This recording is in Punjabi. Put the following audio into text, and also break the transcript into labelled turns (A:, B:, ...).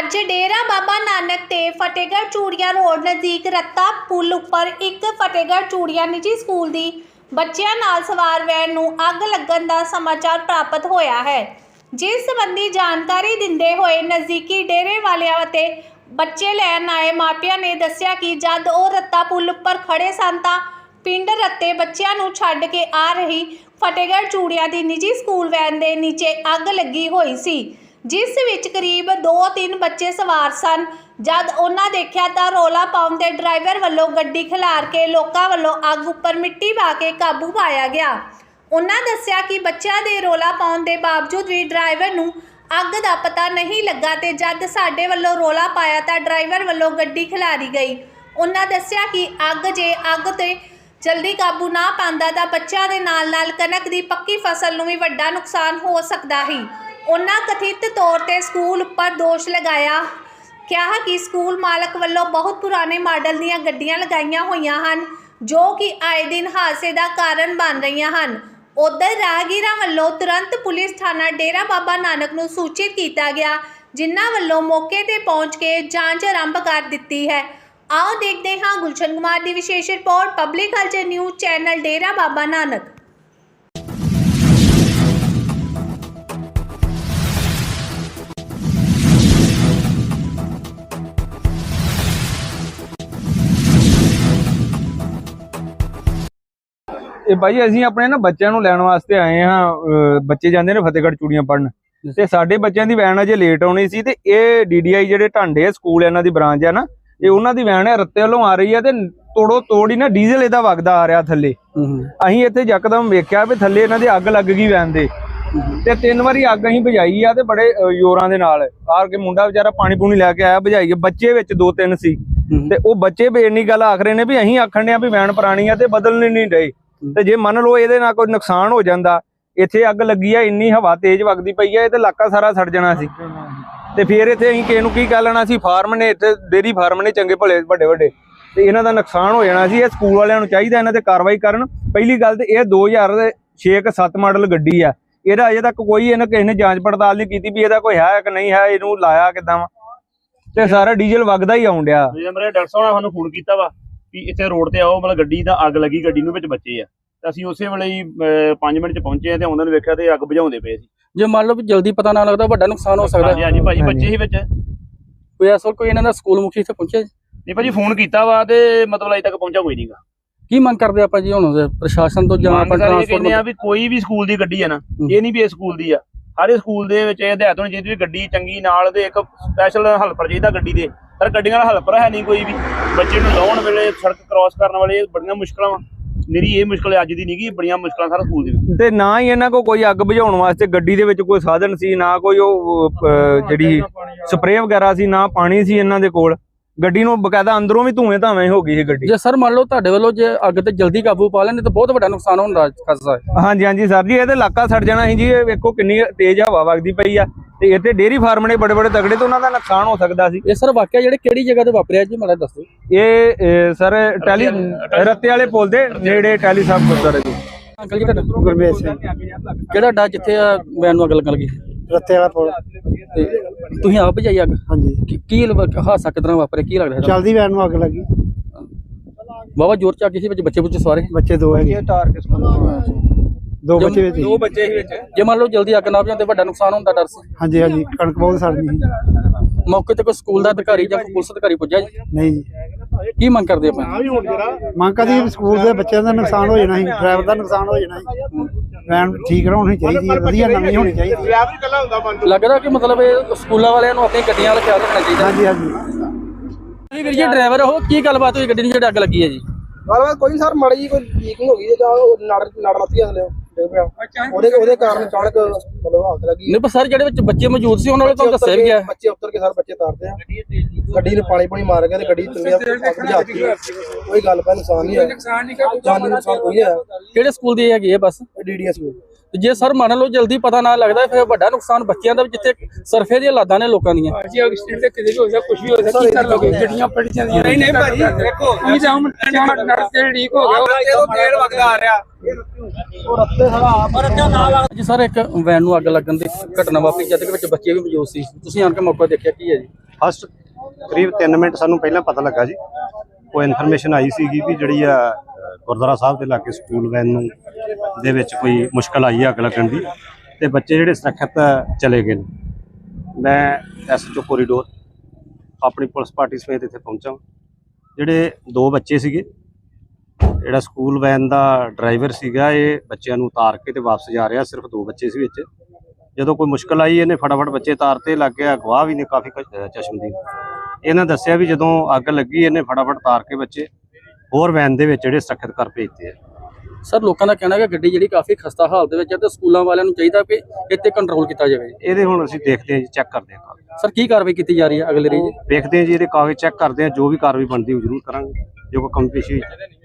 A: ਅੱਜ डेरा बाबा नानक ते फतेहगढ़ चूड़िया रोड नज़दीक रत्ता पुल उपर एक फतेहगढ़ चूड़िया निजी स्कूल की बच्चों नाल सवार वैन नूं अग लगन का समाचार प्राप्त होया है। जिस संबंधी जानकारी दिंदे होए नज़दीकी डेरे वालियां ते बच्चे लैन आए मापिया ने दस्सिया कि जद वो रत्ता पुल उपर खड़े सन तां पिंड रत्ते बच्चों नूं छड्ड के आ रही फतेहगढ़ चूड़िया की निजी स्कूल वैन के नीचे अग लगी हुई सी, जिस विच करीब 2-3 बच्चे सवार सन। जद उन्हां देखिया तां रौला पाउण ते ड्राइवर वल्लों गड्डी खिलार के लोकां वल्लों अग उपर मिट्टी पा के काबू पाया गया। उन्हां दस्सिया कि बच्चों के रौला पाउण दे बावजूद भी ड्राइवर नूं अग दा पता नहीं लगा ते जद साडे वल्लों रौला पाया तां ड्राइवर वल्लों गड्डी खिलारी गई। उन्हां दस्सिया कि अग ते जल्दी काबू ना पांदा तां बच्चों के नाल कनक की पक्की फसल नूं भी वड्डा नुकसान हो सकदा ही। उन्हां कथित तौर पर स्कूल पर दोष लगाया, कहा कि स्कूल मालक वालों बहुत पुराने मॉडल दीयां गड्डियां लगाईयां होईयां हन जो कि आए दिन हादसे का कारण बन रही हैं। उधर राहगीरां वालों तुरंत पुलिस थाना डेरा बाबा नानक नूं सूचित किया गया, जिन्हां वालों मौके पर पहुँच के जांच आरंभ कर दी है। आओ देखते हैं गुलशन कुमार की विशेष report, public culture news channel Dera Baba Nanak.
B: ਇਹ ਭਾਈ ਅਸੀਂ ਆਪਣੇ ਨਾ ਬੱਚਿਆਂ ਨੂੰ ਲੈਣ ਵਾਸਤੇ ਆਏ ਹਾਂ। ਬੱਚੇ ਜਾਂਦੇ ਨੇ ਫਤਿਹਗੜ੍ਹ ਚੂੜੀਆਂ ਪੜਨ ਤੇ ਸਾਡੇ ਬੱਚਿਆਂ ਦੀ ਵੈਨ ਅਜੇ ਲੇਟ ਆਉਣੀ ਸੀ ਤੇ ਇਹ ਡੀਡੀਆਈ ਜਿਹੜੇ ਢਾਂਡੇ ਸਕੂਲ ਇਹਨਾਂ ਦੀ ਬ੍ਰਾਂਚ ਹੈ ਨਾ, ਇਹ ਉਹਨਾਂ ਦੀ ਵੈਨ ਹੈ ਰੱਤੇ ਵੱਲੋਂ ਆ ਰਹੀ ਹੈ ਤੇ ਤੋੜੋ ਤੋੜੀ ਨਾ ਡੀਜ਼ਲ ਇਹਦਾ ਵਗਦਾ ਆ ਰਿਹਾ ਥੱਲੇ। ਅਸੀਂ ਇੱਥੇ ਯਕਦਮ ਵੇਖਿਆ ਵੀ ਥੱਲੇ ਇਹਨਾਂ ਦੇ ਅੱਗ ਲੱਗ ਗਈ ਵੈਨ ਦੇ ਤੇ 3 ਵਾਰੀ ਅੱਗ ਅਸੀਂ ਬੁਝਾਈ ਆ ਤੇ ਬੜੇ ਜ਼ੋਰਾਂ ਦੇ ਨਾਲ ਆਰ ਕੇ ਮੁੰਡਾ ਵਿਚਾਰਾ ਪਾਣੀ ਪੂਣੀ ਲੈ ਕੇ ਆਇਆ ਬੁਝਾਈ। ਬੱਚੇ ਵਿੱਚ 2-3 ਸੀ ਤੇ ਉਹ ਬੱਚੇ ਇੰਨੀ ਗੱਲ ਆਖ ਰਹੇ ਨੇ ਵੀ ਅਸੀਂ ਆਖਣ ਡਿਆ ਵੀ ਵੈਨ ਪੁਰਾਣੀ ਆ ਤੇ ਬਦਲਣੀ ਨਹੀਂ ਡਏ ਤੇ ਜੇ ਮੰਨ ਲਓ ਇਹਦੇ ਨਾਲ ਕੋਈ ਨੁਕਸਾਨ ਹੋ ਜਾਂਦਾ, ਇੱਥੇ ਅੱਗ ਲੱਗੀ ਆ ਇੰਨੀ ਹਵਾ ਤੇਜ਼ ਵਗਦੀ ਪਈ ਆ ਇਹ ਤੇ ਇਲਾਕਾ ਸਾਰਾ ਸੜ ਜਾਣਾ ਸੀ ਤੇ ਫਿਰ ਇੱਥੇ ਅਸੀਂ ਕਿਸੇ ਨੂੰ ਕੀ ਕਹਿ ਲੈਣਾ ਸੀ। ਫਾਰਮ ਨੇ ਇੱਥੇ ਡੇਰੀ ਫਾਰਮ ਨੇ ਚੰਗੇ ਭਲੇ ਵੱਡੇ ਵੱਡੇ ਤੇ ਇਹਨਾਂ ਦਾ ਨੁਕਸਾਨ ਹੋ ਜਾਣਾ ਸੀ। ਇਹ ਸਕੂਲ ਵਾਲਿਆਂ ਨੂੰ ਚਾਹੀਦਾ ਇਹਨਾਂ ਤੇ ਕਾਰਵਾਈ ਕਰਨ। ਪਹਿਲੀ ਗੱਲ ਤੇ ਇਹ 2006-7 ਮਾਡਲ ਗੱਡੀ ਆ, ਇਹਦਾ ਅਜੇ ਤੱਕ ਕੋਈ ਇਹਨਾਂ ਕਿਸੇ ਨੇ ਜਾਂਚ ਪੜਤਾਲ ਨਹੀਂ ਕੀਤੀ ਵੀ ਇਹਦਾ ਕੋਈ ਹੈ ਕਿ ਨਹੀਂ ਹੈ, ਇਹਨੂੰ ਲਾਇਆ ਕਿੱਦਾਂ ਵਾ ਤੇ ਸਾਰਾ ਡੀਜ਼ਲ ਵਗਦਾ ਹੀ ਆਉਣ ਡਿਆ।
C: ਮੇਰੇ ਡਾਕਟਰ ਸਾਹਿਬ ਨੇ ਸਾਨੂੰ ਫੋਨ ਕੀਤਾ ਵਾ ਵੀ ਇੱਥੇ ਰੋਡ ਤੇ ਆਓ, ਮਤਲਬ ਗੱਡੀ ਦਾ ਅੱਗ ਲੱਗੀ, ਗੱਡੀ ਨੂੰ ਵਿੱਚ ਬੱਚੇ ਆ ਤੇ ਅਸੀਂ ਉਸੇ ਵੇਲੇ ਹੀ 5 ਮਿੰਟ ਚ ਪਹੁੰਚੇ ਆ ਤੇ ਉਹਨਾਂ ਨੇ ਵੇਖਿਆ ਤੇ ਅੱਗ ਬੁਝਾਉਂਦੇ ਪਏ ਸੀ।
D: ਜੇ ਮੰਨ ਲਓ ਵੀ ਜਲਦੀ ਪਤਾ ਨਾ ਲੱਗਦਾ ਵੱਡਾ ਨੁਕਸਾਨ ਹੋ ਸਕਦਾ।
C: ਹਾਂਜੀ ਭਾਜੀ ਬੱਚੇ ਹੀ ਵਿੱਚ
D: ਕੋਈ ਅਸਲ ਕੋਈ ਇਹਨਾਂ ਦਾ ਸਕੂਲ ਮੁਖੀ ਇੱਥੇ ਪਹੁੰਚਿਆ
C: ਨਹੀਂ ਭਾਜੀ, ਫੋਨ ਕੀਤਾ ਵਾ ਤੇ ਮਤਲਬ ਅਜੇ ਤੱਕ ਪਹੁੰਚਾ ਕੋਈ ਨਹੀਂਗਾ।
D: ਕੀ ਮੰਗ ਕਰਦੇ ਆਪਾਂ ਜੀ ਹੁਣ ਪ੍ਰਸ਼ਾਸਨ ਤੋਂ ਜਾਂ ਆਪਾਂ
C: ਟਰਾਂਸਪੋਰਟ ਆ ਵੀ ਕੋਈ ਵੀ ਸਕੂਲ ਦੀ ਗੱਡੀ ਆ ਨਾ, ਇਹ ਨਹੀਂ ਵੀ ਇਹ ਸਕੂਲ ਦੀ ਆ, ਹਰ ਸਕੂਲ ਦੇ ਵਿੱਚ ਇਹ ਹਦਾਇਤ ਹੋਣੀ ਚਾਹੀਦੀ ਵੀ ਗੱਡੀ ਚੰਗੀ ਨਾਲ ਦੇ ਇੱਕ ਸਪੈਸ਼ਲ ਹੈਲਪਰ ਚਾਹੀਦਾ ਗੱਡੀ ਦੇ। ਪਰ ਗੱਡੀਆਂ ਦਾ ਹੈਲਪਰ ਹੈ ਨਹੀਂ ਕੋਈ ਵੀ। ਬੱਚੇ ਨੂੰ ਲਾਉਣ ਵੇਲੇ ਸੜਕ ਕ੍ਰਾਸ ਕਰਨ ਵਾਲੇ ਬੜੀਆਂ ਮੁਸ਼ਕਲਾਂ ਵਾ, ਮੇਰੀ ਇਹ ਮੁਸ਼ਕਲ ਅੱਜ ਦੀ ਨਹੀਂ ਗੀ, ਬੜੀਆਂ ਮੁਸ਼ਕਲਾਂ ਸਾਰਾ ਸਕੂਲ ਦੀ।
B: ਤੇ ਨਾ ਹੀ ਇਹਨਾਂ ਕੋਲ ਕੋਈ ਅੱਗ ਬੁਝਾਉਣ ਵਾਸਤੇ ਗੱਡੀ ਦੇ ਵਿੱਚ ਕੋਈ ਸਾਧਨ ਸੀ, ਨਾ ਕੋਈ ਉਹ ਜਿਹੜੀ ਸਪਰੇਅ ਵਗੈਰਾ ਸੀ, ਨਾ ਪਾਣੀ ਸੀ ਇਹਨਾਂ ਦੇ ਕੋਲ। ਗੱਡੀ ਨੂੰ ਬਕਾਇਦਾ ਅੰਦਰੋਂ ਵੀ ਧੂਏ ਧਾਵੇਂ ਹੋ ਗਈ ਸੀ ਗੱਡੀ। ਜੇ
D: ਸਰ ਮੰਨ ਲਓ ਤੁਹਾਡੇ ਵੱਲੋਂ ਜੇ ਅੱਗ ਤੇ ਜਲਦੀ ਕਾਬੂ ਪਾ ਲੈਣ ਤਾਂ ਬਹੁਤ ਵੱਡਾ ਨੁਕਸਾਨ ਹੋਣ ਦਾ ਖਤਰਾ ਹੈ।
B: ਹਾਂਜੀ ਸਰ ਜੀ, ਇਹ ਤੇ ਇਲਾਕਾ ਸੜ ਜਾਣਾ ਸੀ ਜੀ। ਇਹ ਵੇਖੋ ਕਿੰਨੀ ਤੇਜ਼ ਹਵਾ ਵਗਦੀ ਪਈ ਆ ਤੇ ਇੱਥੇ ਡੇਰੀ ਫਾਰਮ ਨੇ ਬੜੇ ਬੜੇ ਤਗੜੇ ਤੇ ਉਹਨਾਂ ਦਾ ਨੁਕਸਾਨ ਹੋ ਸਕਦਾ ਸੀ।
D: ਇਹ ਸਰ ਵਾਕਿਆ ਜਿਹੜੇ ਕਿਹੜੀ ਜਗ੍ਹਾ ਤੇ ਵਾਪਰਿਆ ਜੀ ਮੈਨੂੰ ਦੱਸੋ।
B: ਇਹ ਸਰ ਟੈਲੀ ਰੱਤੇ ਵਾਲੇ ਪੁਲ ਦੇ ਨੇੜੇ ਟੈਲੀ ਸਾਹਿਬ ਗੁਰਦੁਆਰੇ ਦੀ।
D: ਅੰਕਲ ਜੀ ਤੁਹਾਡਾ
E: ਗੁਰਮੇਸ਼ ਸਿੰਘ
D: ਕਿਹੜਾ ਡਾ ਜਿੱਥੇ ਵੈਨ ਨੂੰ ਅੱਗ ਲੱਗਣ ਲੱਗੀ?
E: ਰੱਤੇ ਵਾਲਾ ਪੁਲ।
D: ਤੇ ਤੁਸੀਂ ਆਪ ਭਜਾਈ ਅੱਗ?
E: ਹਾਂਜੀ।
D: ਕੀ ਹਾਦਸਾ ਕਿਦਾਂ ਵਾਪਰਿਆ, ਕੀ ਲੱਗਦਾ?
E: ਚਲਦੀ ਵੈਨ ਨੂੰ ਅੱਗ ਲੱਗੀ,
D: ਬਾਬਾ ਜ਼ੋਰ ਚ ਅੱਗ ਸੀ, ਵਿੱਚ ਬੱਚੇ ਬੁੱਚੇ ਸਵਾਰੇ?
E: ਬੱਚੇ 2 ਹੈਗੇ, 2 ਬੱਚੇ ਵਿੱਚ।
B: 2 ਬੱਚੇ ਹੀ ਵਿੱਚ।
D: ਜੇ ਮੰਨ ਲਓ ਜਲਦੀ ਅੱਗ ਨਾ ਬੁਝਾਉਂਦੇ ਵੱਡਾ ਨੁਕਸਾਨ ਹੋਣ ਦਾ ਡਰ ਸੀ?
E: ਹਾਂਜੀ ਕਣਕ ਬਹੁਤ ਸੜਨੀ ਸੀ।
D: ਮੌਕੇ ਤੇ ਕੋਈ ਸਕੂਲ ਦਾ ਅਧਿਕਾਰੀ ਜਾਂ ਪੁਲਿਸ ਅਧਿਕਾਰੀ ਪੁੱਜਿਆ ਜੀ?
E: ਨਹੀਂ ਜੀ।
D: ਕੀ ਮੰਗ ਕਰਦੇ ਆਪਾਂ?
E: ਮੰਗ ਕਰਦੀ ਸਕੂਲ ਦੇ ਬੱਚਿਆਂ ਦਾ ਨੁਕਸਾਨ ਹੋ ਜਾਣਾ ਸੀ, ਡਰਾਈਵਰ ਦਾ ਨੁਕਸਾਨ ਹੋ ਜਾਣਾ ਸੀ। ਵੈਨ ਠੀਕ ਹੋਣੀ ਚਾਹੀਦੀ ਹੈ, ਵਧੀਆ ਨਵੀਂ ਹੋਣੀ ਚਾਹੀਦੀ ਹੈ।
D: ਲੱਗਦਾ ਕਿ ਮਤਲਬ ਇਹ ਸਕੂਲਾਂ ਵਾਲਿਆਂ ਨੂੰ ਆਪਣੀ ਗੱਡੀਆਂ ਵਾਲਾ ਖਿਆਲ ਰੱਖਣਾ ਚਾਹੀਦਾ।
E: ਹਾਂਜੀ
D: ਵੀਰ ਜੀ ਡਰਾਈਵਰ ਉਹ ਕੀ ਗੱਲਬਾਤ ਹੋਈ ਗੱਡੀ ਨੂੰ ਜਿਹੜੀ ਅੱਗ ਲੱਗੀ ਹੈ ਜੀ?
F: ਗੱਲਬਾਤ ਕੋਈ ਸਰ ਮਾੜੀ ਜੀ ਕੋਈ ਲੀਕਿੰਗ ਹੋ ਗਈ ਜਾਂ ਨੜ ਮੱਤੀ ਹਸਲੇ ਉਹਦੇ ਕਾਰਨ ਅਚਾਨਕ ਮਤਲਬ ਅੱਗ ਲੱਗੀ।
D: ਨਹੀਂ ਪਰ ਸਰ ਜਿਹੜੇ ਵਿੱਚ ਬੱਚੇ ਮੌਜੂਦ ਸੀ ਉਹਨਾਂ ਨੂੰ ਤੁਹਾਨੂੰ ਦੱਸਿਆ ਵੀ ਗਿਆ?
F: ਬੱਚੇ ਉੱਤਰ ਕੇ ਸਰ ਬੱਚੇ ਤਾਰਦੇ ਆ, ਗੱਡੀ ਨੂੰ ਪਾਣੀ ਮਾਰ ਗਿਆ ਤੇ ਗੱਡੀ ਚੰਗੀ ਕੋਈ ਗੱਲ ਪਾ ਨੁਕਸਾਨ ਨਹੀਂ ਹੋਇਆ, ਜਾਨੀ ਨੁਕਸਾਨ ਕੋਈ ਨਹੀਂ ਹੋਇਆ।
D: ਕਿਹੜੇ ਸਕੂਲ ਦੀ ਹੈਗੀ ਹੈ ਬੱਸ?
F: DDS school.
D: ਜੇ ਸਰ ਮੰਨ ਲਓ ਜਲਦੀ ਪਤਾ ਨਾ ਲੱਗਦਾ ਫਿਰ ਵੱਡਾ ਨੁਕਸਾਨ ਬੱਚਿਆਂ ਦਾ, ਜਿੱਥੇ ਸਰਫੇ ਦੀਆਂ ਲਾਦਾਂ ਨੇ ਲੋਕਾਂ ਦੀਆਂ।
G: ਜੀ ਐਕਸੀਡੈਂਟ ਤੇ ਕਿਤੇ ਵੀ ਹੋ ਸਕਦਾ, ਕੁਝ ਵੀ ਹੋ ਸਕਦਾ, ਕੀ ਕਰ ਲੋਗੇ? ਗੱਡੀਆਂ ਪਲਟ ਜਾਂਦੀਆਂ। ਨਹੀਂ ਭਾਜੀ ਦੇਖੋ ਇਹ ਤਾਂ ਹੁਣ ਨੜ ਤੇ ਲੀਕ ਹੋ ਗਿਆ, ਉਹ ਤੇਲ ਵਗਦਾ ਆ ਰਿਹਾ।
F: ਉਹ ਰੱਤੇ ਸਾਰਾ
D: ਜੀ ਸਰ ਇੱਕ ਵੈਨ ਨੂੰ ਅੱਗ ਲੱਗਣ ਦੀ ਘਟਨਾ ਵਾਪਰੀ ਜਦ ਕਿ ਵਿੱਚ ਬੱਚੇ ਵੀ ਮੌਜੂਦ ਸੀ, ਤੁਸੀਂ ਆਣ ਕੇ ਮੌਕਾ ਦੇਖਿਆ, ਕੀ ਹੈ ਜੀ?
H: ਫਸਟ ਕਰੀਬ 3 ਮਿੰਟ ਸਾਨੂੰ ਪਹਿਲਾਂ ਪਤਾ ਲੱਗਾ ਜੀ, ਕੋਈ ਇਨਫੋਰਮੇਸ਼ਨ ਆਈ ਸੀਗੀ ਵੀ ਜਿਹੜੀ ਆ ਗੁਰਦੁਆਰਾ ਸਾਹਿਬ ਦੇ ਲਾਗੇ ਸਕੂਲ ਵੈਨ ਨੂੰ ਦੇ ਵਿੱਚ ਕੋਈ ਮੁਸ਼ਕਲ ਆਈ ਅੱਗ ਲੱਗਣ ਦੀ, ਤੇ ਬੱਚੇ ਜਿਹੜੇ ਸੁਰੱਖਿਅਤ ਚਲੇ ਗਏ ਨੇ। ਮੈਂ ਐਸਐਚਓ ਕੋਰੀਡੋਰ ਆਪਣੀ ਪੁਲਿਸ ਪਾਰਟੀ ਸਮੇਤ ਇੱਥੇ ਪਹੁੰਚਾ। ਜਿਹੜੇ 2 ਬੱਚੇ ਸੀਗੇ, ਜਿਹੜਾ ਸਕੂਲ ਵੈਨ ਦਾ ਡਰਾਈਵਰ ਸੀਗਾ, ਇਹ ਬੱਚਿਆਂ ਨੂੰ ਉਤਾਰ ਕੇ ਤੇ ਵਾਪਸ ਜਾ ਰਿਹਾ, ਸਿਰਫ 2 ਬੱਚੇ ਸੀ ਵਿੱਚ। ਜਦੋਂ ਕੋਈ ਮੁਸ਼ਕਲ ਆਈ ਇਹਨੇ ਫਟਾਫਟ ਬੱਚੇ ਤਾਰਤੇ, ਲੱਗ ਗਿਆ ਗਵਾਹ ਵੀ ਨੇ ਕਾਫੀ ਚਸ਼ਮਦੀਦ। ਇਹਨਾਂ ਦੱਸਿਆ ਵੀ ਜਦੋਂ ਅੱਗ ਲੱਗੀ ਇਹਨੇ ਫਟਾਫਟ ਤਾਰ ਕੇ ਬੱਚੇ ਹੋਰ ਵੈਨ ਦੇ ਵਿੱਚ ਜਿਹੜੇ ਸੁਰੱਖਿਅਤ ਕਰ ਭੇਜਤੇ ਆ।
D: ਸਰ ਲੋਕਾਂ ਦਾ ਕਹਿਣਾ ਹੈ ਕਿ ਗੱਡੀ ਜਿਹੜੀ ਕਾਫੀ ਖਸਤਾ ਹਾਲਤ ਦੇ ਵਿੱਚ ਹੈ ਤੇ ਸਕੂਲਾਂ ਵਾਲਿਆਂ ਨੂੰ ਚਾਹੀਦਾ ਕਿ ਇੱਥੇ ਕੰਟਰੋਲ ਕੀਤਾ ਜਾਵੇ।
H: ਇਹਦੇ ਹੁਣ ਅਸੀਂ ਦੇਖਦੇ ਹਾਂ ਜੀ, ਚੈੱਕ ਕਰਦੇ ਹਾਂ।
D: ਸਰ ਕੀ ਕਾਰਵਾਈ ਕੀਤੀ ਜਾ ਰਹੀ ਹੈ ਅਗਲੇ ਰਹੀ?
H: ਦੇਖਦੇ ਹਾਂ ਜੀ, ਇਹਦੇ ਕਾਗਜ਼ ਚੈੱਕ ਕਰਦੇ ਹਾਂ, ਜੋ ਵੀ ਕਾਰਵਾਈ ਬਣਦੀ ਉਹ ਜ਼ਰੂਰ ਕਰਾਂਗੇ ਜੋ ਕੋਈ ਕਮੀ ਪੇਸ਼ੀ ਹੋਈ।